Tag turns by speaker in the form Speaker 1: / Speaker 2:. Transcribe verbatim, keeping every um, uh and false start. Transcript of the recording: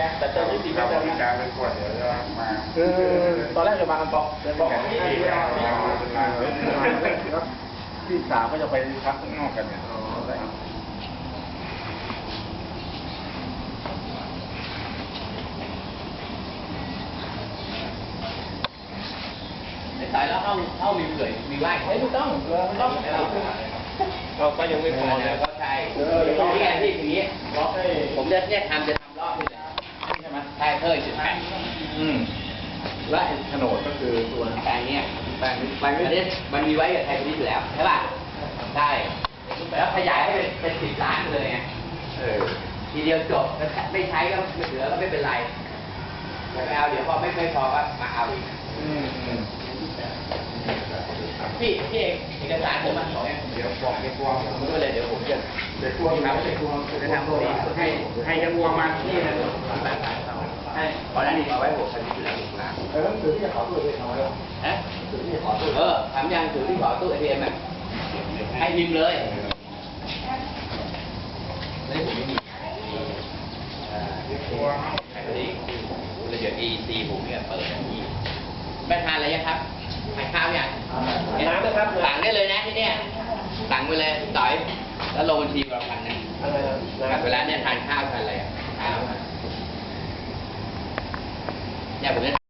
Speaker 1: แต่เจ้าที่ตีไม่ได้นะ
Speaker 2: การเป็นขวดเดี๋ยวจะมา
Speaker 1: คือตอนแรกจะมากันบอกเดินบอกที่พี่สาวก็จะไปพักข้างนอกกันเนี่ย
Speaker 3: ตายแล้วเข้าเข้ามีเผื่อมีไหวเฮ้ยไม่ต้องต้อง
Speaker 1: เราก็ยังไม่พอเนี่ย
Speaker 3: ก็ใช่ที่ไงที่อย่างนี้ผมจะเนี่ยทำจะทำรอบนี่แหละใช่ไหมใช่เพิ่มจุดแปด
Speaker 1: อืมและโฉนดก็คือตัว
Speaker 3: แปลงเนี้ยแปลงแปลงนี้มันมีไว้กับไทยพาณิชย์อยู่แล้วใช่ป่ะใช่แล้วขยายให้เป็นเป็นสิบล้านเลยไงเออทีเดียวจบไม่ใช้ก็ไม่เหลือก็ไม่เป็นไรไม่เอาเดี๋ยวพอไม่ไม่พอก็มาเอาอีกพี่พี่เอกเอกสารผมมาขอเนี่ย
Speaker 2: เดี๋ยวบอกเดี๋ยวกลัว
Speaker 3: ผมด้วยเลยเดี๋ยวผมจะ
Speaker 2: เดี๋ยวกลัวครับเดี๋ยวกลัวจะทำตัวให้ให้จะกลัวมันนี่นะ
Speaker 3: ให้เพราะนั่นนี่เอาไว้ผมชนิดอยู่แล้วถูกไหม
Speaker 1: เออถือที่ขอตู้เลยทำไมล่ะ
Speaker 3: ฮะถือที่ขอตู้เออทำยังถือที่ขอตู้เอทีเอ็มอ่ะให้พิมพ์เลยนี่ผมไม่มี
Speaker 2: เดี๋ยวกลัว
Speaker 3: ไอ้นี่เลยเดี๋ยวอีซีผมเนี่ยเปิดอย่างนี้ไม่ทานอะไรยังครับทานข้าวยัง
Speaker 1: น้ำนะครับ
Speaker 3: สั่งได้เลยนะที่เนี่ยสั่งไปเลยต่อยแล้วลงบัญชีเราพันนะกับเวลาเนี่ยทานข้าวทานอะไรอ่ะข้าวเนี่ยผมจะ